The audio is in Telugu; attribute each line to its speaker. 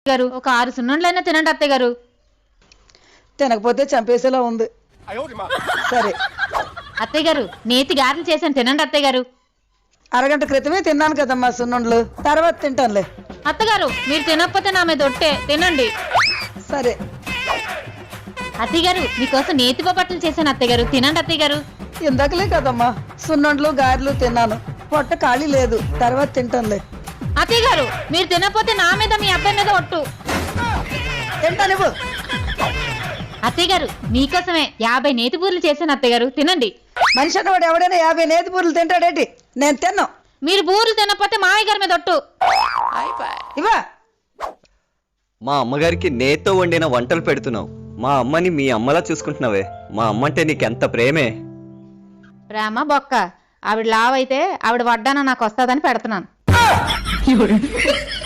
Speaker 1: గారు ఒక 6 సున్నుండ్లైనా తినండి అత్తయ్య గారు.
Speaker 2: తినకపోతే చంపేసేలా ఉంది. సరే
Speaker 1: అత్తయ్య గారు నేతి గారెలు చేశాను తినండి అత్తయ్య గారు.
Speaker 2: అరగంట క్రితమే తిన్నాను కదమ్మా సున్నుండ్లు, తర్వాత తింటానులే.
Speaker 1: అత్తగారు మీరు తినకపోతే నా మీద ఒట్టే తినండి.
Speaker 2: సరే
Speaker 1: అత్తయ్య గారు మీకోసం నేతి బొబ్బట్లు చేశాను అత్తయ్య గారు తినండి అత్తయ్య గారు.
Speaker 2: ఇందాకలే కదమ్మా సున్నుండ్లు గారెలు తిన్నాను, పొట్ట ఖాళీ లేదు, తర్వాత తింటానులే.
Speaker 1: అత్తయ్య గారు మీరు తినకపోతే నా మీద మీ అబ్బాయి మీద ఒట్టు.
Speaker 2: తింటా నువ్వు.
Speaker 1: అత్తయ్య గారు మీకోసమే 50 నేతి బూరెలు చేశాను అత్తయ్య గారు తినండి.
Speaker 2: మనిషి అన్నవాడు ఎవడైనా 50 నేతి బూరెలు తింటాడేంటి? నేను తిన్నాను.
Speaker 1: మీరు బూరెలు తినకపోతే మావయ్య గారి మీద ఒట్టు.
Speaker 2: ఇవా
Speaker 3: మా అమ్మగారికి నేతో వండిన వంటలు పెడుతున్నావు. మా అమ్మని మీ అమ్మలా చూసుకుంటున్నావే. మా అమ్మ అంటే నీకెంత ప్రేమే.
Speaker 1: ప్రేమ బొక్క. ఆవిడ లావైతే ఆవిడ వడ్డాన నాకు వస్తుందని పెడుతున్నాను.